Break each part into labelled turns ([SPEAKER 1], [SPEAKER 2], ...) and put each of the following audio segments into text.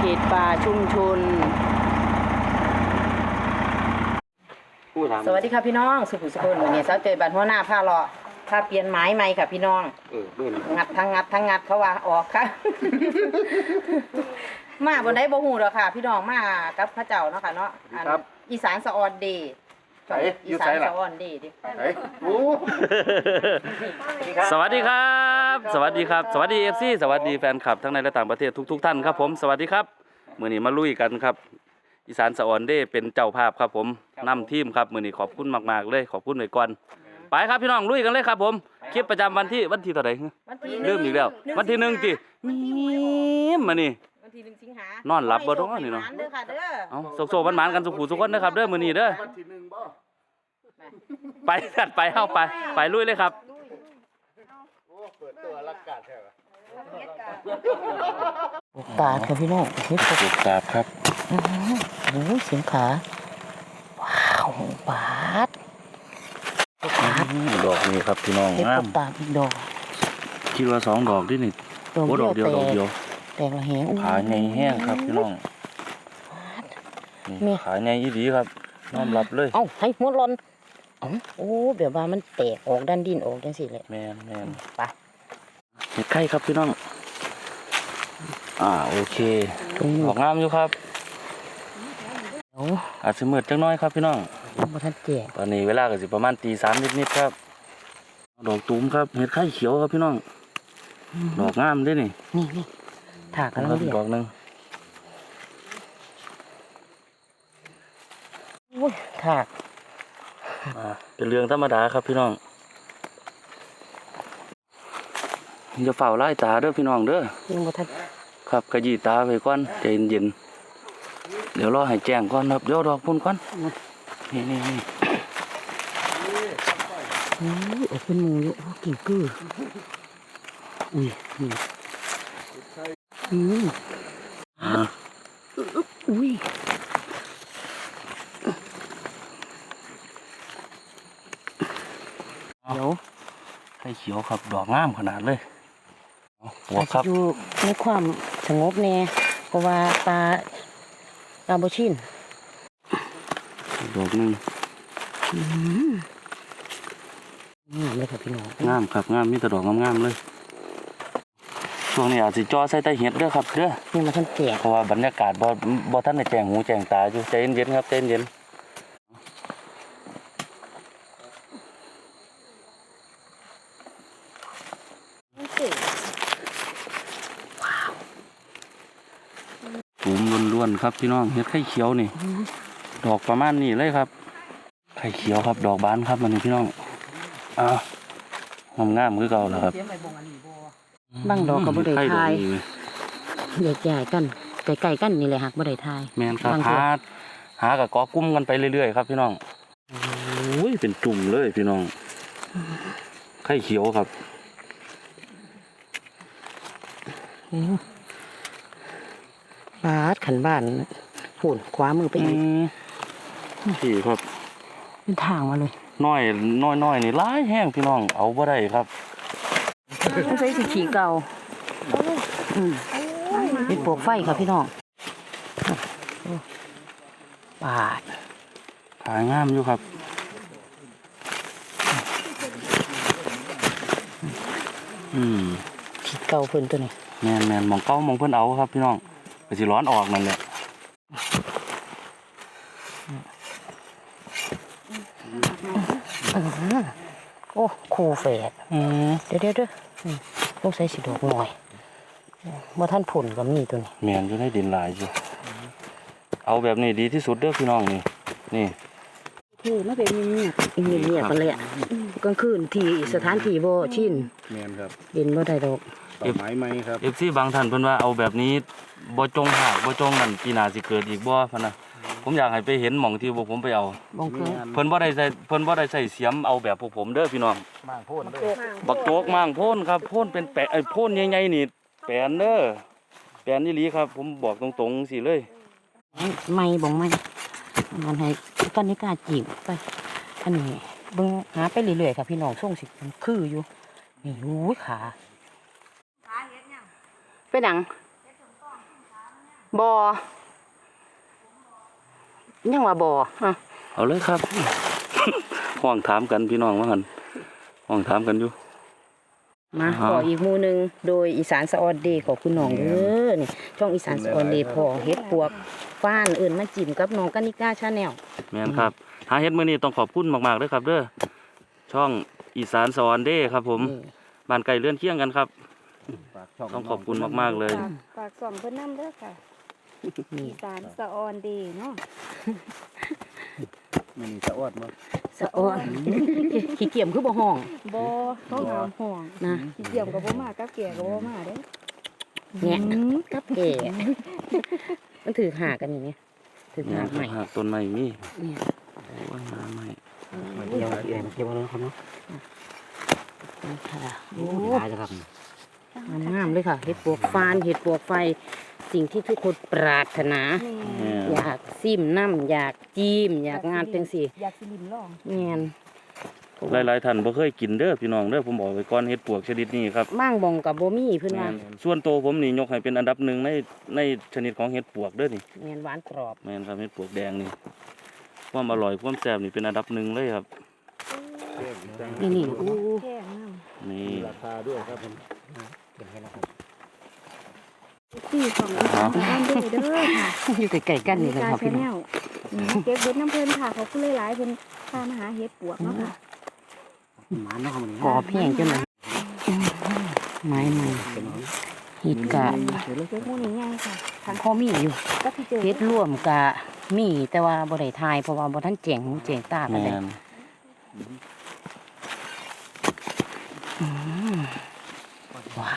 [SPEAKER 1] เห็ดป่าชุมชนสวัสดีค่ะพี่น้องสุขุมสุขวันนี้สาวเจยบัตรหัวหน้าผ้าเลาะผ้าเปลี่ยนไม้ใหม่ค่ะพี่น้องงัดทั้งงัดเขาว่าออกค่ะ มาบนได้บ่หูหรอกค่ะพี่น้องมากับพระเจ้าเนาะค่ะเนาะอีสานสะออนดีอีสานสะออนดีดิ
[SPEAKER 2] สวัสดีครับสวัสดีครับสวัสดีFCสวัสดีแฟนคลับทั้งในและต่างประเทศทุกท่านครับผมสวัสดีครับมื้อนี้มาลุยกันครับอีสานสะออนเด้เป็นเจ้าภาพครับผมนำทีมครับมื้อนี้ขอบคุณมากๆเลยขอบคุณไว้ก่อนไปครับพี่น้องลุยกันเลยครับผมคลิปประจำวันที่เท่าไหร่ลืมอีกแล้ววันที่1ติมีมานี่
[SPEAKER 1] วันที่1 สิงหาน
[SPEAKER 2] อนหลับบ่ท้อนี่เนาะเอาโซๆหวานๆกันสุขุทุกคนนะครับเด้อมื้อนี้เด้อวันที่1บ่ไปกันไปเข้าไปลุยเลยครับ
[SPEAKER 3] โอ้เปิดตัวรักกาดแท้
[SPEAKER 1] ปาดค่ะพี่น้อง
[SPEAKER 2] ปลูกกาบครับ
[SPEAKER 1] โอ้ยเสียงขาว้าวปาด
[SPEAKER 2] ดอกนี้ครับพี่น้อง
[SPEAKER 1] งามตามอีกดอก
[SPEAKER 2] คิดว่า2 ดอกดินี่โอ้ดอกเดียว
[SPEAKER 1] แตกละแหง
[SPEAKER 2] ขาใหญ่แห้งครับพี่น้องนี่ขาใหญ่อีดีครับน้อมรับเลย
[SPEAKER 1] เอ้าให้หัวร้อนโอ้แบบว่ามันแตกออกด้านดินออกจังสิเลย
[SPEAKER 2] แม่น
[SPEAKER 1] ไป
[SPEAKER 2] เห็ดไข่ครับพี่น้องโอเคออกงามอยู่ครับอาจจะมืดจังน้อยครับพี่น้อง
[SPEAKER 1] มาทันแจก
[SPEAKER 2] ตอนนี้เวลาก็สิประมาณตี 3นิดๆครับดอกตูมครับเห็ดไข่เขียวครับพี่น้องดอกงามด้วยนี่
[SPEAKER 1] ถากกันแล้ว
[SPEAKER 2] ดอกนึง
[SPEAKER 1] ถาก
[SPEAKER 2] เป็นเรื่องธรรมดาครับพี่น้องอย่าเฝ้าไล่ตาเด้อพี่น้องเด้อ
[SPEAKER 1] ยังบ่ทัน
[SPEAKER 2] ครับขยี้ตาไปก่อนใจเย็นๆเดี๋ยวรอให้แจ้งก่อนครับเดี๋ยวดอกพุ่นก่อนนี่
[SPEAKER 1] เป็นหมูอยู่กิ่งกืออุ้ยอุ้ย
[SPEAKER 2] เดี๋ยวไข่เขียวครับดอกงามขนาดเลยหัวครับ
[SPEAKER 1] อยู่ในความสงบแน่เพราะว่าปลาโบชิน
[SPEAKER 2] ดอกนึง
[SPEAKER 1] งามเลยครับพี่น้อง
[SPEAKER 2] งามครับงามมีแต่ดอกงามๆเลยช่วงนี้อาจจะจ่อใส่ใต้เห็ดเด้อครับเด้อ
[SPEAKER 1] นี่มาท่านแจก
[SPEAKER 2] เพราะว่าบรรยากาศบ่ท่านได้แจ้งหูแจ้งตาอยู่ใจเย็นๆครับใจเย็นตูมล้วนๆครับพี่น้องเห็ดไข่เขียวนี่ดอกประมาณนี้เลยครับไข่เขียวครับดอกบานครับมันนี่พี่น้องงามคือเก่าแล้วครับ
[SPEAKER 1] บางดอกก็บ่ได้ทายใหญ่ๆกันไกลๆกันนี่แหละหักบ่ได้ทาย
[SPEAKER 2] แม่นครับหากับกอกุ้มกันไปเรื่อยๆครับพี่น้องโอ้ยเป็นจุ่มเลยพี่น้องไข่เขียวครับ
[SPEAKER 1] บาดขันบ้านหุ่นคว้ามือไปอีก
[SPEAKER 2] พี่ครับ
[SPEAKER 1] เป็นทางมาเลย
[SPEAKER 2] น้อยนี่ร้ายแห้งพี่น้องเอาบ่ได้ครับ
[SPEAKER 1] ต้องใช้สีขีเก่าเป็นปลวกไฟครับพี่น้องบาด
[SPEAKER 2] ขายงามอยู่ครับ
[SPEAKER 1] ขีเก่าเพิ่นตัวนี้
[SPEAKER 2] แม่นมองเก้ามองเพิ่นเอาครับพี่น้องไปสิร้อนออกนั่นแหละ
[SPEAKER 1] โอ้คูแฝดเดี๋ยวต้องใช้สีดอกหน่อยเมื่อท่านผลก็มีตัวนี้
[SPEAKER 2] แมนจะได้ดินลายอยู่เอาแบบนี้ดีที่สุดเด้อพี่น้องนี่
[SPEAKER 1] คือไม่เป็นเงียบกันเลยกลางคืนที่สถานที่บ่ชิน
[SPEAKER 3] แมนครับ
[SPEAKER 1] ดินบ่ได้ดอก
[SPEAKER 3] ไม้ไหมครับ
[SPEAKER 2] FCบางท่านเพิ่นว่าเอาแบบนี้บ่จงหากบ่จงนั่นปีหน้าสิเกิดอีกบ่พะนะผมอยากให้ไปเห็นหม่องที่พวกผมไปเอาเพิ่นบ่ได้ใส่เสียมเอาแบบพวกผมเด้อพี่น้อง
[SPEAKER 3] ม่างโพ่นเด้อ
[SPEAKER 2] บักโจกม่างโพ่นครับโพ่นเป็นแปะโพ่นใหญ่ๆนี่แปนเด้อแปนนี่ลีครับผมบอกตรงๆสิเลย
[SPEAKER 1] ไม่บ่ไม่มันให้ตอนนี้กล้าจีบไปอันนี้เบิ่งหาไปเรื่อยๆค่ะพี่น้องส่งสิมันคืออยู่นี่ขาไปดังบอยังว่าบอฮะ
[SPEAKER 2] เอาเลยครับ ห้องถามกันพี่น้องว่าหั่นห้องถามกันอยู่
[SPEAKER 1] มา
[SPEAKER 2] อ๋อ
[SPEAKER 1] ขออีกหมู่หนึงโดยอีสานสะออนเดย์ขอบคุณน้องเด้อนี่ช่องอีสานสะออนเดย์พอเฮ็ดปวกฟ้านเอิ้นมาจิ้มกับน้องกานิกาชาแนล
[SPEAKER 2] แม่นครับหาเฮ็ดมื้อนี้ต้องขอบคุณมากๆเด้อครับเด้อช่องอีสานสวรรค์เด้ครับผมบ้านไกลเลื่อนเคียงกันครับ
[SPEAKER 3] ฝากช่
[SPEAKER 2] ต้องขอบคุณมากๆเลย
[SPEAKER 4] ฝากส่องเพิ่นนำเด้อค่ะ
[SPEAKER 1] นี่
[SPEAKER 4] อีสานสะออนดีเนาะ
[SPEAKER 3] มันสะอวดมั้ง
[SPEAKER 1] สะออนขี้เกียจคือบ่ห้อง
[SPEAKER 4] บ่ต้องหามห่วง
[SPEAKER 1] นะ
[SPEAKER 4] สิเกี่ยมกับบ่มากับแก่กับบ่มาเด้อ
[SPEAKER 1] แงะกับแก่มันถือหากันอย่างเงี้ยถือหาใหม่
[SPEAKER 2] หากต้นไม้มี
[SPEAKER 1] เนี่ย
[SPEAKER 2] โอ้ยมาใหม่
[SPEAKER 3] เกี่ยวเกี่ยวเลยครับเนาะ
[SPEAKER 1] นี่ค่ะโอ้
[SPEAKER 3] ได้แล้วครับ
[SPEAKER 1] งามๆเลยค่ะเห็ดปวกฟานเห็ดปวกไฟสิ่งที่ทุกคนปรารถนา
[SPEAKER 2] แม่น
[SPEAKER 1] อยากซิมน้ำอยากจิ้มอยากงานจังสิ
[SPEAKER 4] อยากสิลิ้มลอง
[SPEAKER 1] แม่น
[SPEAKER 2] หลายๆท่านบ่เคยกินเด้อพี่น้องเด้อผมบอกไว้ก่อนเฮ็ดปวกชนิดนี้ครับ
[SPEAKER 1] มั่งบองกับโบมี่เพื่อน
[SPEAKER 2] แม่
[SPEAKER 1] ว่าน
[SPEAKER 2] ส่วนตัวผมนี่ยกให้เป็นอันดับหนึ่งในชนิดของเห็ดปวกเด้อนี่
[SPEAKER 1] แม่นหวานกรอบ
[SPEAKER 2] แม่นครับเห็ดปวกแดงนี่ความอร่อยความแซ่บนี่เป็นอันดับหนึ่งเลยครับ
[SPEAKER 1] นี่นี่อู้
[SPEAKER 4] แค่น้ำ
[SPEAKER 2] นี่
[SPEAKER 3] ราคาด้วยครับผมเก็บให้แล้วครับ
[SPEAKER 4] ที่ของอีสานสะออนเด้อเด้อค่ะ
[SPEAKER 1] อยู่ใกล้ๆกันนี่เลยครับพี่น้อง
[SPEAKER 4] เก็บเฮ็ดน้ำเพิ่นค่ะขอบคุณหลายๆเพิ่นพามาหาเฮ็ดปวกเนาะค่ะ
[SPEAKER 3] หมาเนาะครับ
[SPEAKER 1] กรอบแห้งจังเลยไม้ใหม่เห็ดกะ
[SPEAKER 4] เฮ็ดหมู่นี้ใหญ่ค่ะทาง
[SPEAKER 1] พอมีอยู่
[SPEAKER 4] ก็ที่เจอ
[SPEAKER 1] เฮ็ดร่วมกะมีแต่ว่าบ่ได้ทายเพราะว่าบ่ทันแจ้งหูแจ้งตากัน
[SPEAKER 2] แม่
[SPEAKER 1] เลย
[SPEAKER 2] น
[SPEAKER 1] ว้าว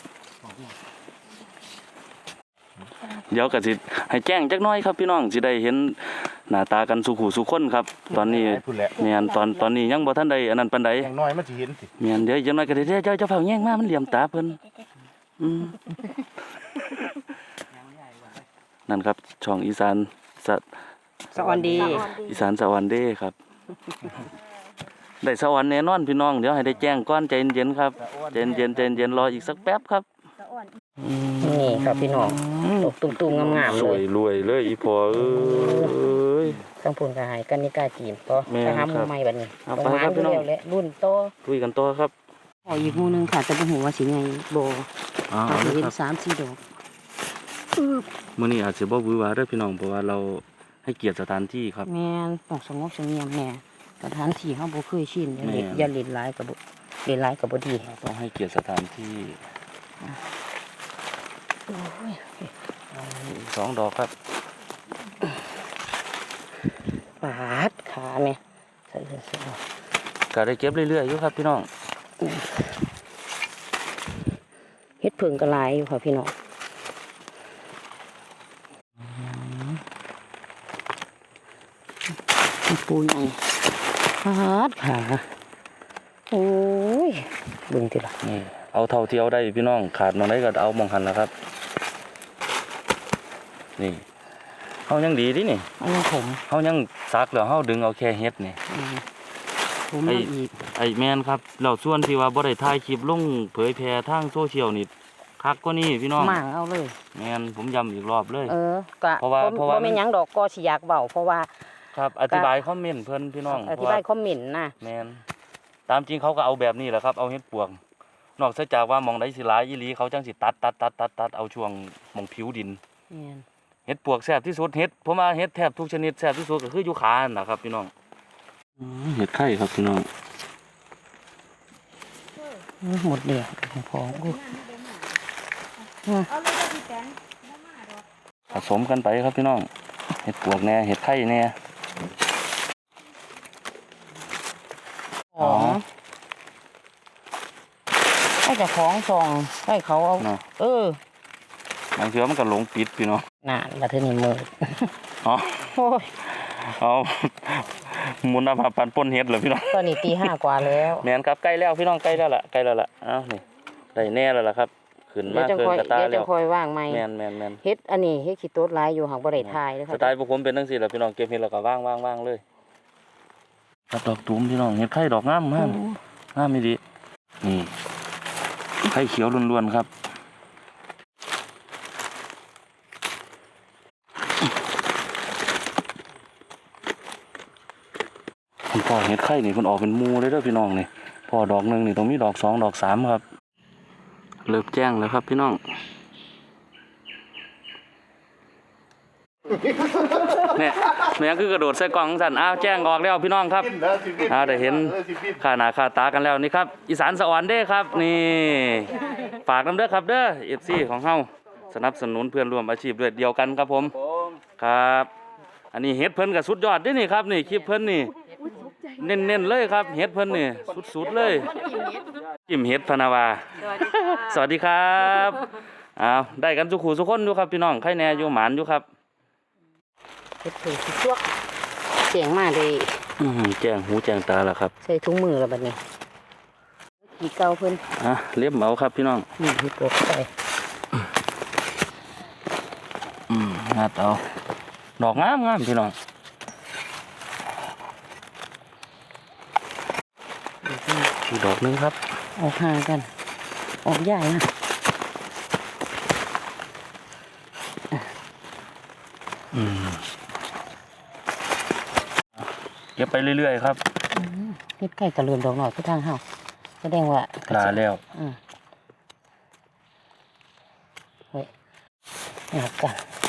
[SPEAKER 2] เดี๋ยวก็สิให้แจ้งจักหน้อยครับพี่น้องสิได้เห็นหน้าตากันสุขุสุขคนครับ ตอนนี้
[SPEAKER 3] พูดแหละ
[SPEAKER 2] แม่นตอนนี้ยังบ่ทันได้อันนั้นปานใด
[SPEAKER 3] อย่างน้อยมันจะเห็นสิ
[SPEAKER 2] แม่นเดี๋ยวจักหน่อยก็ได้เจ้าเฝ้าแย่งมามันเหลี่ยมตาเพิ่นอืมนั่นครับช่องอีสานสะ
[SPEAKER 1] สะออนดี
[SPEAKER 4] สะออนดี
[SPEAKER 2] อีสานสะวันเด้ครับ ได้สวรรค์แน่นอนพี่น้องเดี๋ยวให้ได้แจ้งก่อนใจเย็นๆครับใจเย็นรออีกสักแป๊บครับ
[SPEAKER 4] สะออน
[SPEAKER 1] นี่ครับพี่น้องตกตุ่มๆงามๆ
[SPEAKER 2] ส
[SPEAKER 1] เล
[SPEAKER 2] วย
[SPEAKER 1] ย
[SPEAKER 2] รวยเลยอีพอเอ้ย
[SPEAKER 1] ต้องพูนกระหายกันนี่กล้าจีบก็
[SPEAKER 2] แม่น
[SPEAKER 1] ไปหาห
[SPEAKER 2] ครั
[SPEAKER 1] มู่
[SPEAKER 2] บ
[SPEAKER 1] ใหม่บัดนี้
[SPEAKER 2] เอา
[SPEAKER 1] ประ
[SPEAKER 2] ไป
[SPEAKER 1] มา
[SPEAKER 2] ครั
[SPEAKER 1] ณ
[SPEAKER 2] บพี่น้อง
[SPEAKER 1] เดียวและรุ่นโต
[SPEAKER 2] คุยกันต่อครับ
[SPEAKER 1] ขออีกหมู่หนึงค่ะแต่บ่ฮู้ว่าสิไงบ่
[SPEAKER 2] อ๋อ
[SPEAKER 1] เขา
[SPEAKER 2] เอา
[SPEAKER 1] สิ
[SPEAKER 2] เลย
[SPEAKER 1] เห็น
[SPEAKER 2] ครับ
[SPEAKER 1] 3-4 ดอก
[SPEAKER 2] มื้อนี้อาจสิบ่หวือหวาเด้อพี่น้องเพราะว่าเราให้เกียรติสถานที่ครับ
[SPEAKER 1] แม่นต้องสงบเสงี่ยมแน่สถานที่เฮาบ่เคยชินอย่าเล่น
[SPEAKER 2] แม่น
[SPEAKER 1] อย่าเล่นหลายก็บ่เล่นหลายก็บ่ดี
[SPEAKER 2] ต้องให้เกียรติสถานที่สองดอกครับ
[SPEAKER 1] ปาดขาแม่ใส่เสื้อ
[SPEAKER 2] ก็ได้เก็บเรื่อยๆอยู่ครับพี่น้อง
[SPEAKER 1] เฮ็ดเพิ่งก็หลายอยู่ค่ะพี่น้องปูใหญ่ปาดขาโอ้ยเบิ่งติล่ะ
[SPEAKER 2] นี่เอาเท่าที่เอาได้พี่น้องขาดมองได้ก็เอามองหันแล้วครับ นี่เฮายังดีดินี่
[SPEAKER 1] อันนี้ผม
[SPEAKER 2] เฮายังซักแล้วเฮาดึงเอาแค่เฮ็ดนี่
[SPEAKER 1] ผม
[SPEAKER 2] ไอ้
[SPEAKER 1] มาอีก
[SPEAKER 2] ไอ้แม่นครับแล้วส่วนที่ว่าบ่ได้ถ่ายคลิปลงเผยแพร่ทางโซเชียลนี่คักกว่านี้พี่น้อง
[SPEAKER 1] มั่งเอาเลย
[SPEAKER 2] แม่นผมย้ำอีกรอบเลย
[SPEAKER 1] ก็
[SPEAKER 2] เพราะว่า
[SPEAKER 1] บ่แม่นหยังดอกก็สิอยากเว้าเพราะว่า
[SPEAKER 2] ครับอธิบายคอมเมนต์เพิ่นพี่น้อง
[SPEAKER 1] อธิบายคอมเมนต์นะ
[SPEAKER 2] แม่นตามจริงเขาก็เอาแบบนี้แหละครับเอาเฮ็ดปวงนอกจากว่าหมองใดสิหลายอีหลีเขาจังสิตัดเอาช่วงหมองผิวดิน
[SPEAKER 1] แม่น
[SPEAKER 2] เฮ็ดปวกแซ่บที่สุดเฮ็ดผมว่าเฮ็ดแทบทุกชนิดแซ่บที่สุดก็คืออยู่ขานั่นล่ะครับพี่น้องเฮ็ดไข่ครับพี่น้อง
[SPEAKER 1] หมดเดียวของกู
[SPEAKER 4] เอาเลยเด้อพี่แตนบ่มาดอก
[SPEAKER 2] ผสมกันไปครับพี่น้องเฮ็ดปวกแน่เฮ็ดไข่แน่
[SPEAKER 1] ของให้เจ้าของส่งให้เขาเอา
[SPEAKER 2] เนาะ
[SPEAKER 1] บ
[SPEAKER 2] างเทื่อมันก็หลงปิดพี่น้อง
[SPEAKER 1] นานมาเท่านี้มือ
[SPEAKER 2] อ๋อ
[SPEAKER 1] โอ้ย
[SPEAKER 2] เอามุนภาพปันป่นเฮ็ดเหรอพี่น้อง
[SPEAKER 1] ตอนนี้ตี 5 กว่าแล้ว
[SPEAKER 2] แม่นครับใกล้แล้วพี่น้องใกล้แล้วล่ะใกล้แล้วล่ะเอ้านี่ได้แน่แล้วล่ะครับขึ้น
[SPEAKER 1] เดี๋ย
[SPEAKER 2] มาว
[SPEAKER 1] จะ
[SPEAKER 2] เกิน
[SPEAKER 1] คอย
[SPEAKER 2] กระตา
[SPEAKER 1] เดี๋ยว
[SPEAKER 2] แล้
[SPEAKER 1] จะ
[SPEAKER 2] ว
[SPEAKER 1] คอยว่างไหม
[SPEAKER 2] แม่น
[SPEAKER 1] เฮ็ดอันนี้เฮ็ดขี้โต๊ดหลายอยู่หักบ่ได้ทายเลย
[SPEAKER 2] ส
[SPEAKER 1] ค่ะ
[SPEAKER 2] ไตล์พวกผมเป็นจังซี่แหละพี่น้องเก็บเฮ็ดแล้วก็ว่างเลยครับดอกตูมพี่น้องเฮ็ดไข่ดอกงามมากงามอีหลีนี่ไข่เขียวล้วนๆครับคุณพ่อเห็ดไข่นี่เพิ่นออกเป็นหมู่เลยเด้อพี่น้องนี่พอดอกหนึงนี่ต้องมีดอก2ดอก3ครับเริ่มแจ้งแล้วครับพี่น้องเนี่ยแม่งคือกระโดดใส่กล่องสั่นอ้าวแจ้งออกแล้วพี่น้องครับได้เห็นค่าหน้าค่าตากันแล้วนี่ครับอีสานสะอ่อนเด้ครับนี่ฝากน้ำเด้อครับเด้อ FC ของเฮาสนับสนุนเพื่อนร่วมอาชีพด้วยเดียวกันครับผมครับอันนี้เฮ็ดเพิ่นก็สุดยอดเด้นี่ครับนี่คลิปเพิ่นนี่เน้นๆเลยครับเฮ็ดเพิ่นนี่สุดๆเลยจิ้มเฮ็ดพนาวาสวัสดีครับอ้าวได้กันทุกคู่ทุกคนอยู่ครับพี่น้องใครแน่อยู่หมานอยู่ครับ
[SPEAKER 1] เฮ็ดเพิ่นสิจวกเสียงมาเลย
[SPEAKER 2] แจ้งหูแจ้งตาแล้วครับ
[SPEAKER 1] ใส่ถุงมือแล้วบัดนี้กี่เก่าเพิ่น
[SPEAKER 2] เล็บเหมาครับพี่น้อง
[SPEAKER 1] นี่เฮ็ดปวกใส่
[SPEAKER 2] งัดเอาดอกงามพี่น้องอีกดอกหนึงครับ
[SPEAKER 1] ออกห่างกันออกใหญ่นะ
[SPEAKER 2] เก็บไปเรื่อยๆครับ
[SPEAKER 1] เฮ็ดไก่กระเลือนดอกหน่อยคือทางเฮาแสดงว่า
[SPEAKER 2] ลาแล้ว
[SPEAKER 1] เฮ้ยหักกัน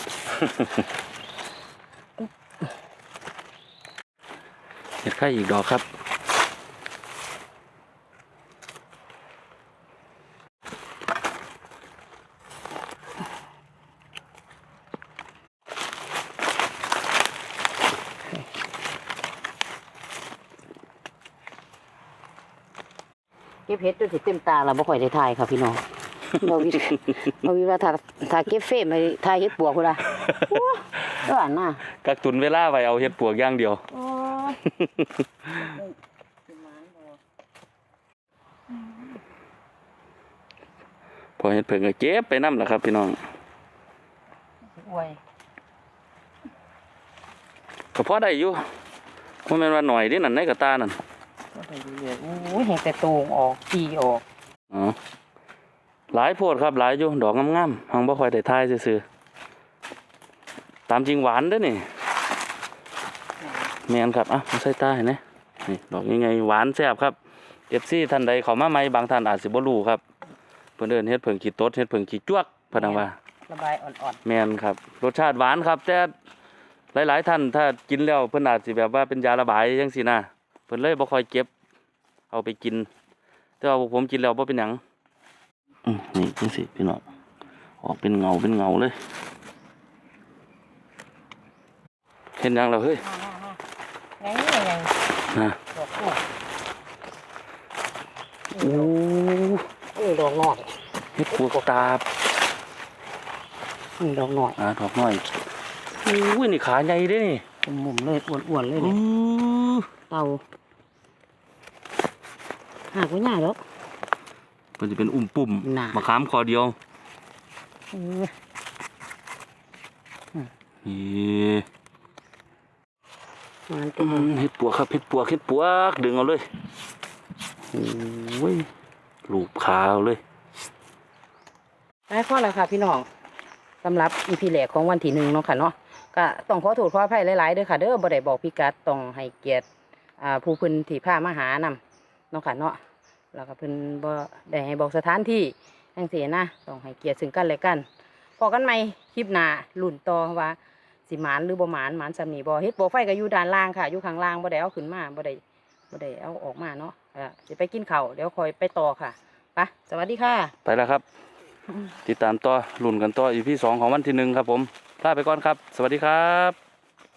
[SPEAKER 2] เห็ดไข่อีกดอกครับ
[SPEAKER 1] เก็บเฮ็ดจนสิเต็มตาแล้วบ่ค่อยได้ถ่ายค่ะพี่น้องบ่วิว่าถ้าเก็บเฟรมไปถ่ายเฮ็ดปวกพุ่นล่ะโอ้ยว่าน่ะ
[SPEAKER 2] กักตุนเวลาไว้เอาเห็ดปวกอย่างเดียว
[SPEAKER 1] โอ้ย
[SPEAKER 2] พอเห็ดเพิ่งก็เก็บไปนำล่ะครับพี่น้อง
[SPEAKER 1] อวย
[SPEAKER 2] ก็พอได้อยู่บ่แม่นว่าหน่อยเด้นั่นในกระตานั่น
[SPEAKER 1] ก็ไปเรื่อยๆโอ้ยเห็นแต่โตงออกจีออก
[SPEAKER 2] อ๋อหลายโพดครับหลายอยู่ดอกงามๆหังบ่ค่อยได้ทายซื่อๆตามจริงหวานเด้อนี่แม่นครับมาใส่ตาให้นะนี่ดอกยังไงหวานแซ่บครับ FC ท่านใดเข้ามาใหม่บางท่านอาจสิบ่รู้ครับเพิ่นเอิ้นเฮ็ดเพิ่งขี้ตดเฮ็ดเพิ่งขี้จวกพะนังว่า
[SPEAKER 1] ระบายอ่อน
[SPEAKER 2] แม่นครับรสชาติหวานครับแต่หลายๆท่านถ้ากินแล้วเพิ่นอาจสิแบบว่าเป็นยาระบายจังซี่นะเพิ่นเลยบ่ค่อยเก็บเอาไปกินแต่ว่าพวกผมกินแล้วบ่เป็นหยังนี่จังซี่พี่น้องออกเป็นเงาเลยเห็นหยังแล้วเฮ้ย
[SPEAKER 1] ๆไงไง
[SPEAKER 2] นะ
[SPEAKER 1] ดอกลูก
[SPEAKER 2] โอ้
[SPEAKER 1] ดอกน้อย
[SPEAKER 2] เฮ็ดปวกตาบ
[SPEAKER 1] ดอกน้อย
[SPEAKER 2] ดอกน้อยอุ้ยนี่ขาใหญ่เด้นี่
[SPEAKER 1] หมุมเลยอ้วนๆเลยเนี่ยเตาหากไว้ยากแล้ว
[SPEAKER 2] เพิ่นสิเป็นอุ้มปุ่ม
[SPEAKER 1] น่ะ
[SPEAKER 2] มะขามคอเดียว
[SPEAKER 1] เออ
[SPEAKER 2] นี่
[SPEAKER 1] มันเป็น
[SPEAKER 2] เฮ็ดปวกครับเฮ็ดปวกดึงเอาเลยโอ้ยลูบขาเอาเลย
[SPEAKER 1] ได้ข้อแล้วค่ะพี่น้องสำหรับอีพีแรกของวันที่1เนาะค่ะเนาะก็ต้องขอโทษขออภัยหลายๆเด้อค่ะเด้อบ่ได้บอกพิกัดต้องให้เกียรติผู้เพิ่นที่พามาหานำเนาะค่ะเนาะแล้วก็เพิ่นบ่ได้ให้บอกสถานที่จังซี่นะต้องให้เกียรติซึ่งกันและกันพอกันใหม่คลิปหน้าลุ้นต่อว่าสิหมานหรือบ่หมานซำนี้บ่เฮ็ดบ่ไฟก็อยู่ด้านล่างค่ะอยู่ข้างล่างบ่ได้เอาขึ้นมาบ่ได้เอาออกมาเนาะสิไปกินข้าวเดี๋ยวค่อยไปต่อค่ะไปสวัสดีค่ะ
[SPEAKER 2] ไปแล้วครับ ติดตามต่อลุ้นกันต่อ EP 2ของวันที่1ครับผมลาไปก่อนครับ สวัสดีครับ